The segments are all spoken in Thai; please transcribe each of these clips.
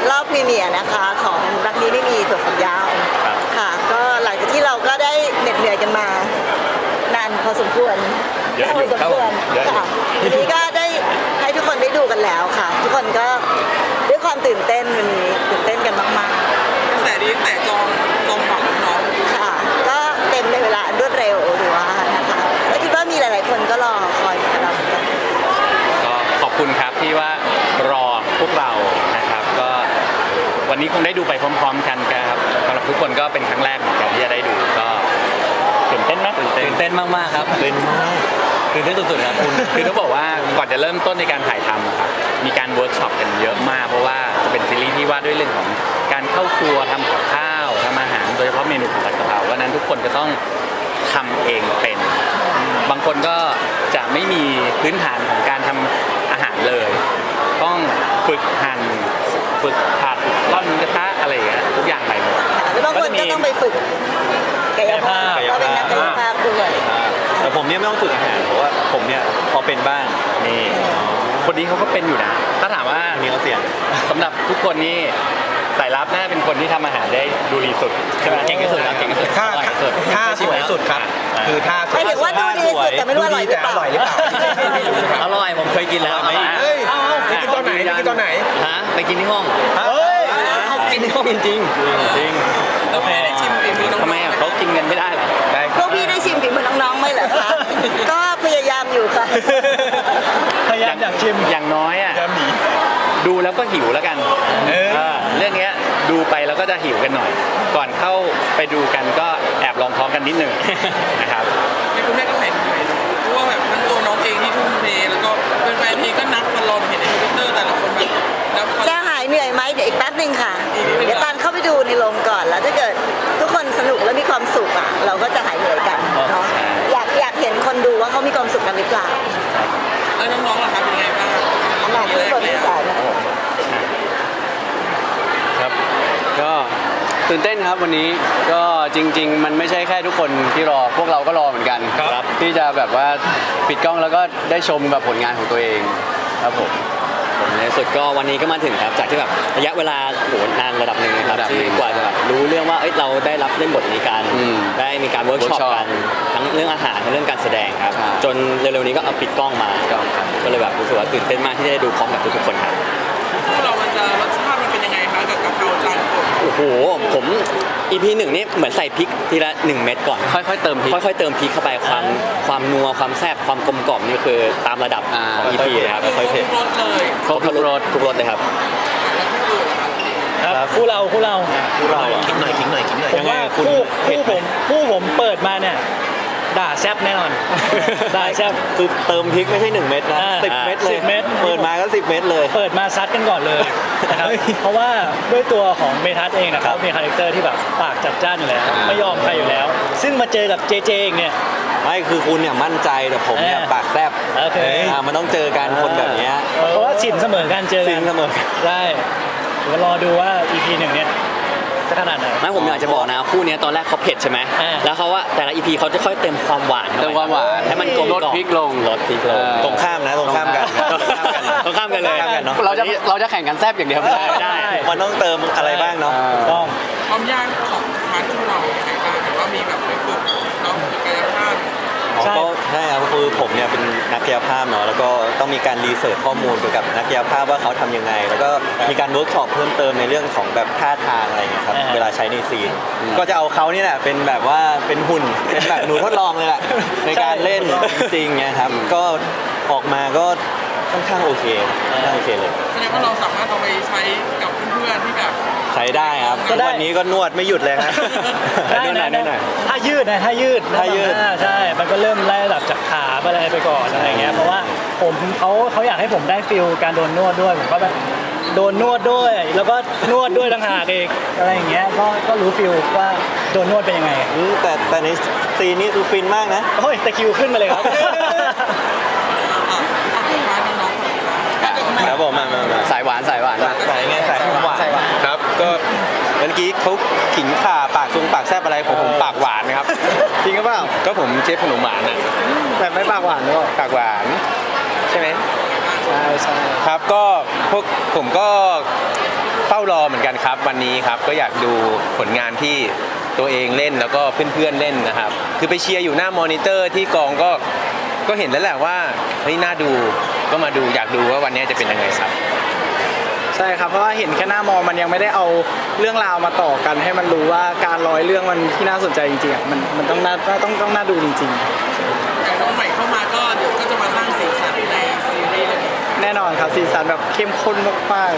รอบพรีเมียร์นะคะของรักนี้ไม่มีถั่วฝักยาวค่ะก็หลังจากที่เราก็ได้เหน็ดเหนื่อยกันมานานพอสมควรพอสมควรค่ะทีนี้ก็ได้ให้ทุกคนได้ดูกันแล้วค่ะ ทุกคนก็ด้วยความตื่นเต้นวันนี้ตื่นเต้นกันมากๆกระแสดีแต่จองฝั่งน้องค่ะก็เต็มในเวลารวดเร็วหรือว่านะคะและคิดว่ามีหลายๆคนก็รอคอยกับเรากันก็ขอบคุณครับที่ว่ารอพวกเรานะครับก็วันนี้คงได้ดูไปพร้อมๆกันครับสำหรับทุกคนก็เป็นครั้งแรกเหมือนกันที่จะได้ดูก็ตื่นเต้นไหมตื่นเต้นมากๆครับตื่นเต้นมากตื่นเต้นสุดๆครับคุณคือต้องบอกว่าก่อนจะเริ่มต้นในการถ่ายทำครับมีการเวิร์กช็อปกันเยอะมากเพราะว่าเป็นซีรีส์ที่ว่าด้วยเรื่องของการเข้าครัวทำกับข้าวทำอาหารโดยเฉพาะเมนูของผัดกะเพราเพราะนั้นทุกคนจะต้องทำเองเป็นบางคนก็จะไม่มีพื้นฐานของการทำอาหารเลยต้องฝึกหั่นฝึกผัดร่อนกระทะอะไรอย่างเงี้ยทุกอย่างใหม่หมดแล้วบางคนก็ต้องไปฝึกกายภาพก็เป็นนักกายภาพด้วยแต่ผมเนี่ยไม่ต้องฝึกอาหารเพราะว่าผมเนี่ยพอเป็นบ้างนี่คนนี้เขาก็เป็นอยู่นะถ้าถามว่ามีเขาเสี่ยงสำหรับทุกคนนี่สายลับน่าเป็นคนที่ทำอาหารได้ดูดีสุดใช่ไหมเก่งที่สุดครับเก่งที่สุดท่าสวยสุดครับคือท่าสวยไม่ถึงว่าดูดีสุดแต่ไม่รู้อร่อยหรือเปล่าอร่อยผมเคยกินแล้วไปกินตอนไหนไปกินตอนไหนฮะไปกินที่ห้องเขากินที่ห้องจริงจริงแล้วไม่ได้ชิมฝีมือน้องทำไมเขากินกันไม่ได้หรอพวกพี่ได้ชิมฝีมือน้องๆไหมเหรอคะก็พยายามอยู่ค่ะพยายามอยากชิมอย่างน้อยอ่ะดูแล้วก็หิวแล้วกันเรื่องนี้ดูไปแล้วก็จะหิวกันหน่อยก่อนเข้าไปดูกันก็แอบลองท้องกันนิดหนึ่งนะครับในคุณแม่ก็เห็นเหนื่อยเพราะว่าแบบทั้งตัวน้องเองที่ทุ่มเทแล้วก็แฟนๆเองก็นับกันรอเห็นในทวิตเตอร์แต่ละคนแบบจะหายเหนื่อยไหมเดี๋ยวอีกแป๊บนึงค่ะเดี๋ยวตอนเข้าไปดูในโรงก่อนแล้วถ้าเกิดทุกคนสนุกและมีความสุขอ่ะเราก็จะหายเหนื่อยกันเนาะอยากเห็นคนดูว่าเขามีความสุขกันหรือเปล่าแล้วน้องๆล่ะครับเป็นไงบ้างมาที่บทที่สามครับก็ตื่นเต้นครับวันนี้ก็จริงๆมันไม่ใช่แค่ทุกคนที่รอพวกเราก็รอเหมือนกันครับที่จะแบบว่าปิดกล้องแล้วก็ได้ชมแบบผลงานของตัวเองครับผมในสุดก็วันนี้ก็มาถึงครับจากที่แบบระยะเวลาโหนานระดับหนึ่งนะครับที่กว่าจะแบบรู้เรื่องว่าเราได้รับเล่นบทนี้กันได้มีการเวิร์กช็อปกันทั้งเรื่องอาหารทั้งเรื่องการแสดงครับจนเร็วๆนี้ก็เอาปิดกล้องมาก็เลยแบบรู้สึกว่าตื่นเต้นมากที่ได้ดูพร้อมกับทุกๆคนครับพวกเรามันจะรสชาติมันเป็นยังไงคะกับกะเพราจานโปรดโอ้โหผม EP 1นี่เหมือนใส่พริกทีละ1เม็ดก่อนค่อยๆเติมพริกค่อยๆเติมพริกเข้าไปความนัวความแซ่บความกลมกล่อมนี่คือตามระดับของ EP เลยครับค่อยๆเผ็ดครบทุกรสเลยครับครับคู่เราคิดหน่อยผมว่าคู่ผมเปิดมาเนี่ยด่าแซ่บแน่นอนด่าแซ่บคือเติมพริกไม่ใช่1เม็ดนะ10เม็ดเลยเปิดมาก็10เม็ดเลยเปิดมาซัดกันก่อนเลยนะครับเพราะว่าด้วยตัวของเมทัศน์เองนะครับมีคาแรคเตอร์ที่แบบปากจัดจ้านอยู่แล้วไม่ยอมใครอยู่แล้วซึ่งมาเจอกับเจเองเนี่ยไม่คือคุณเนี่ยมั่นใจแต่ผมเนี่ยปากแซ่บมันต้องเจอกันคนแบบนี้เพราะว่าสินเสมอกันเจอกันสินเสมอใช่เดี๋ยวรอดูว่า EP 1เนี่ยจะขนาดไหนไม่ผมอยากจะบอกนะคู่นี้ตอนแรกเขาเผ็ดใช่ไหมแล้วเขาว่าแต่ละ EP เขาจะค่อยเติมความหวานให้มันกลมลดพริกลงตรงข้ามนะตรงข้ามกันเลยเราจะแข่งกันแซ่บอย่างเดียวไม่ได้มันต้องเติมอะไรบ้างเนาะต้องความยากของพาร์ทที่เราในการเห็นว่ามีแบบไปฝึกน้องกายภาพก็ใช่ครับคือผมเนี่ยเป็นนักกายภาพเนาะแล้วก็ต้องมีการรีเสิร์ชข้อมูลเกี่ยวกับนักกายภาพว่าเขาทำยังไงแล้วก็มีการเวิร์กช็อปเพิ่มเติมในเรื่องของแบบท่าทางอะไรเงี้ยครับเวลาใช้ในซีนก็จะเอาเขานี่แหละเป็นแบบว่าเป็นหุ่นเป็นแบบหนูทดลองเลยแหละในการเล่นจริงๆนะครับก็ออกมาก็ค่อนข้างโอเคเลยแสดงว่าเราสามารถเอาไปใช้กับเพื่อนๆที่แบบใช้ได้ครับวันนี้ก็นวดไม่หยุดเลยครับได้ถ้ายืดใช่มันก็เริ่มไล่ระดับจากขาไปก่อนอะไรเงี้ยเพราะว่าเขาอยากให้ผมได้ฟิลการโดนนวดด้วยผมก็แบบโดนนวดด้วยแล้วก็นวดด้วยต่างหากเองอะไรอย่างเงี้ยก็รู้ฟิลว่าโดนนวดเป็นยังไงแต่ในซีนนี้คือฟินมากนะโอ้ยตะคิวขึ้นมาเลยครับครับผมมาสายหวานสายหวานครับก็เมื่อกี้เขาขิงข่าปากแซ่บอะไรผมปากหวานนะครับจริงหรือเปล่าก็ผมเชฟขนมหวานนะแต่ไม่ปากหวานหรอกปากหวานใช่ไหมใช่ครับก็พวกผมก็เฝ้ารรอเหมือนกันครับวันนี้ครับก็อยากดูผลงานที่ตัวเองเล่นแล้วก็เพื่อนๆเล่นนะครับคือไปเชียร์อยู่หน้ามอนิเตอร์ที่กองก็เห็นแล้วแหละว่าเฮ้ยน่าดูก็มาดูอยากดูว่าวันนี้จะเป็นยังไงครับใช่ครับเพราะว่าเห็นแค่หน้ามอมันยังไม่ได้เอาเรื่องราวมาต่อกันให้มันรู้ว่าการร้อยเรื่องมันที่น่าสนใจจริงๆอ่ะมันต้องน่าดูจริงอย่างน้องใหม่เข้ามาก็เดี๋ยวก็จะมาสร้างสีสันในซีรีส์เรื่องนี้ๆ แน่นอนครับสีสันแบบเข้มข้นมาก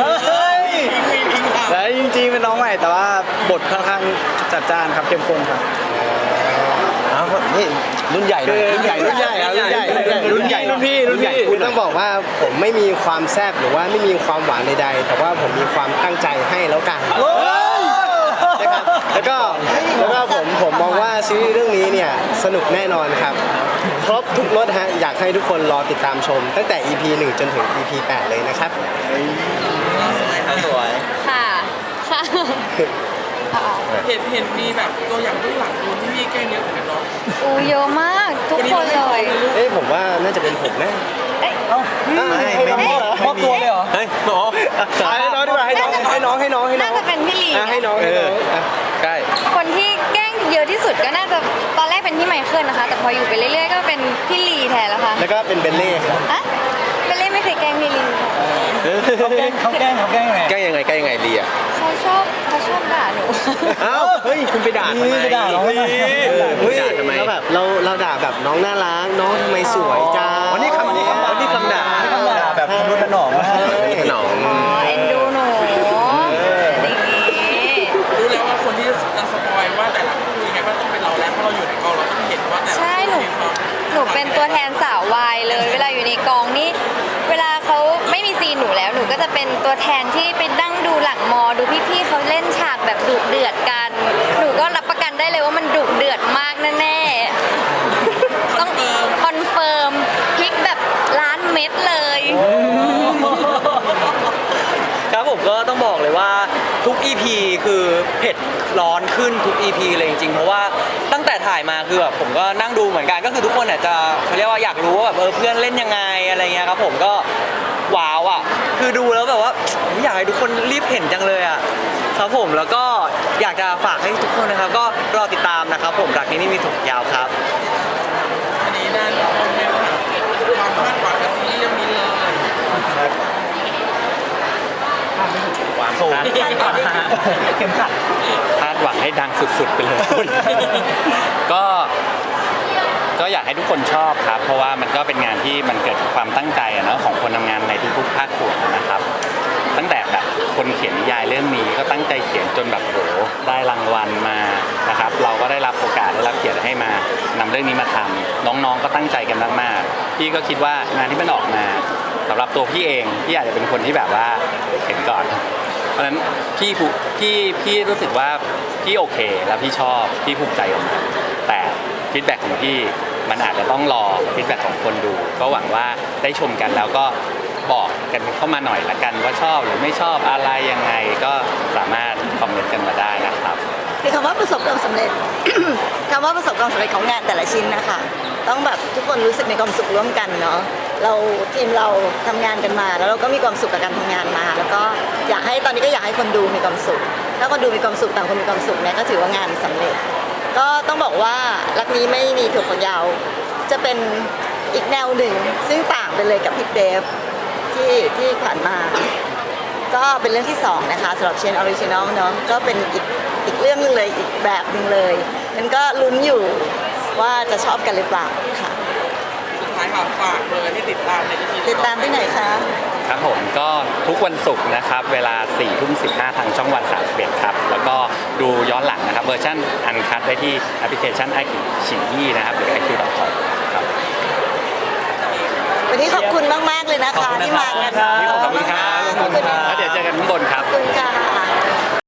ๆและจริงๆเป็นน้องใหม่แต่ว่าบทค่อนข้างจัดจ้านครับเข้มข้นครับอ้าวนี่รุ่นใหญ่หน่อยรุ่นใหญ่รุ่นใหญ่ครับรุ่นใหญ่รุ่นใหญ่รุ่นพี่คือต้องบอกว่าผมไม่มีความแซ่บหรือว่าไม่มีความหวานใดๆแต่ว่าผมมีความตั้งใจให้แล้วกันนะครับแล้วก็ผมมองว่าซีรีส์เรื่องนี้เนี่ยสนุกแน่นอนครับครบทุกรสฮะอยากให้ทุกคนรอติดตามชม ตั้งแต่ EP 1 จนถึง EP 8 เลยนะครับสวยค่ะ ค่ะเห็นมีแบบตัวอย่างเบื้องหลังโดนพี่แกล้งเยอะเหมือนกันเนาะอูเยอะมากทุกคนเลยผมว่าน่าจะเป็นผมนะเอ้ยไม่มีมอบตัวเลยเหรอเฮ้ยหมอให้น้องดีกว่าให้น้องน่าจะเป็นพี่ลีให้น้องอ่ะใช่คนที่แกล้งเยอะที่สุดก็น่าจะตอนแรกเป็นพี่ไมเคิลนะคะ แต่พออยู่ไปเรื่อยๆก็เป็นพี่ลีแทนแล้วค่ะแล้วก็เป็นเบลเล่ครับอะเบลเล่ไม่เคยแกล้งพี่ลีค่ะเขาแกล้งยังไงใกล้ยังไงดีอ่ะเขาชอบด่าหนูอ้าวเฮ้ยคุณไปด่าทำไมไปด่าน้องทำไมเฮ้ยด่าทำไมแล้วแบบเราด่าแบบน้องน่ารักน้องทำไมสวยจ้าวันนี้คำด่าแบบมนุษย์ถนอมหนองอ๋อเอ็นดูหนูอย่างนี้รู้แล้วว่าคนที่จะสปอยว่าแต่ละคู่ยังไงก็ต้องเป็นเราแล้วเพราะเราอยู่ในกองเราต้องเห็นว่าแต่ละใช่หนูมีความหนูเป็นตัวแทนสาววายเลย เวลาอยู่ในกองนี่เวลาเขาไม่มีซีนหนูแล้วหนูก็จะเป็นตัวแทนที่ไปนั่งดูหลังมอดูพี่ๆเขาเล่นฉากแบบดุเดือดกัน หนูก็รับประกันได้เลยว่ามันดุเดือดมากแน่ๆต้องคอนเฟิร์มพริกแบบล้านเม็ดเลยครับผมก็ต้องบอกเลยว่าทุก EP คือเผ็ดร้อนขึ้นทุก EP เลยจริงๆเพราะว่าตั้งแต่ถ่ายมาคือแบบผมก็นั่งดูเหมือนกันก็คือทุกคนอาจจะเขาเรียกว่าอยากรู้ว่าแบบเพื่อนเล่นยังไงอะไรเงี้ยครับผมก็ว้าวอ่ะคือดูแล้วแบบว่าอยากให้ทุกคนรีบเห็นจังเลยอ่ะครับผมแล้วก็อยากจะฝากให้ทุกคนนะครับก็รอติดตามนะครับผมรักนี้ไม่มีถกยาวครับอันนี้ด้านความคาดหวังกับซีรีส์เรื่องนี้เลยความสูงเข็มขัดคาดหวังให้ดังสุดๆไปเลย ก็อยากให้ทุกคนชอบครับ เพราะว่ามันก็เป็นงานที่มันเกิดความตั้งใจอะเนาะของคนทำงานในทุกๆภาคส่วนนะครับ ตั้งแต่แบบคนเขียนนิยายเรื่องนี้ก็ตั้งใจเขียนจนแบบโหได้รางวัลมานะครับเราก็ได้รับโอกาสได้รับเกียรติให้มานำเรื่องนี้มาทำน้องๆก็ตั้งใจกันมากๆพี่ก็คิดว่างานที่มันออกมาสำหรับตัวพี่เองพี่อาจจะเป็นคนที่แบบว่าเห็นก่อน เพราะฉะนั้นพี่รู้สึกว่าพี่โอเคแล้วพี่ชอบพี่ภูมิใจกับมันแต่ฟีดแบ็กของพี่มันอาจจะต้องรอฟีดแบ็กของคนดู ก็หวังว่าได้ชมกันแล้วก็บอกกันเข้ามาหน่อยละกันว่าชอบหรือไม่ชอบอะไรยังไงก็สามารถคอมเมนต์กันมาได้นะครับคือคำว่าประสบความสำเร็จ คำว่าประสบความสำเร็จของงานแต่ละชิ้นนะคะ ต้องแบบทุกคนรู้สึกมีความสุขร่วมกันเนาะเราทีมเราทำงานกันมา แล้วเราก็มีความสุขกับการทำงานมา แล้วก็อยากให้ตอนนี้ก็อยากให้คนดูมีความสุขถ้าคนดูมีความสุขต่างคนมีความสุขเนี่ยก็ถือว่างานสำเร็จ ก็ต้องบอกว่ารักนี้ไม่มีถั่วฝักยาวจะเป็นอีกแนวหนึ่งซึ่งต่างไปเลยกับพี่เดฟที่ผ่านมา ก็เป็นเรื่องที่2นะคะสำหรับเชนออริจินอลเนาะก็เป็นอีกเรื่องนึงเลยอีกแบบหนึ่งเลยนั้นก็ลุ้นอยู่ว่าจะชอบกันหรือเปล่าค่ะสุดท้ายค่ะฝากเลยให้ติดตามใน EP ติดตามที่ไหนคะครับผมก็ทุกวันศุกร์นะครับเวลา 4:15 ทางช่องวัน31ครับแล้วก็ดูย้อนหลังนะครับเวอร์ชันอันคัดได้ที่แอปพลิเคชันไอคิวฉี่นะครับหรือ iq.com ครับวันนี้ขอบคุณมากๆเลยนะคะที่มากันขอบคุณครับขอบคุณค่ะแล้วเดี๋ยวเจอกันข้างบนครับขอบคุณค่ะ